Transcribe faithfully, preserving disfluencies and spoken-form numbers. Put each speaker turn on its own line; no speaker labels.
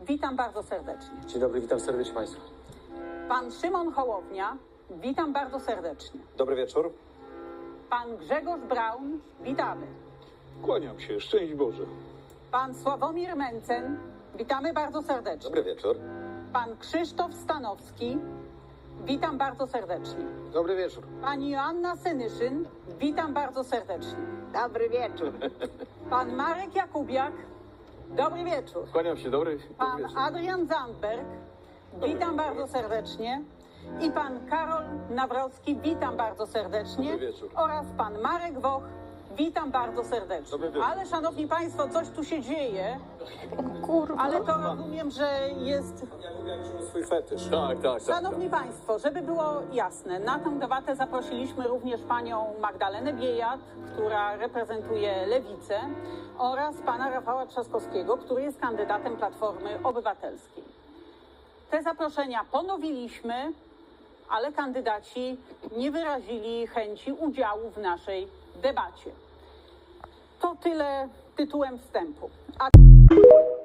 Witam bardzo serdecznie.
Dzień dobry, witam serdecznie Państwa.
Pan Szymon Hołownia, witam bardzo serdecznie.
Dobry wieczór.
Pan Grzegorz Braun, witamy.
Kłaniam się, szczęść Boże.
Pan Sławomir Mencen, witamy bardzo serdecznie.
Dobry wieczór.
Pan Krzysztof Stanowski, witam bardzo serdecznie.
Dobry wieczór.
Pani Joanna Senyszyn, witam bardzo serdecznie.
Dobry wieczór.
Pan Marek Jakubiak, dobry wieczór.
Kłaniam się, dobry, dobry
Pan
wieczór.
Adrian Zandberg, witam bardzo serdecznie. I pan Karol Nawrocki, witam bardzo serdecznie.
Dobry wieczór.
Oraz pan Marek Woch, witam bardzo serdecznie.
Dobry wieczór.
Ale szanowni państwo, coś tu się dzieje,
Kurwa.
ale to rozumiem, że jest...
Swój fetysz.
Tak, tak, tak.
Szanowni państwo, żeby było jasne, na tę debatę zaprosiliśmy również panią Magdalenę Biejat, która reprezentuje Lewicę, oraz pana Rafała Trzaskowskiego, który jest kandydatem Platformy Obywatelskiej. Te zaproszenia ponowiliśmy, ale kandydaci nie wyrazili chęci udziału w naszej debacie. To tyle tytułem wstępu. A...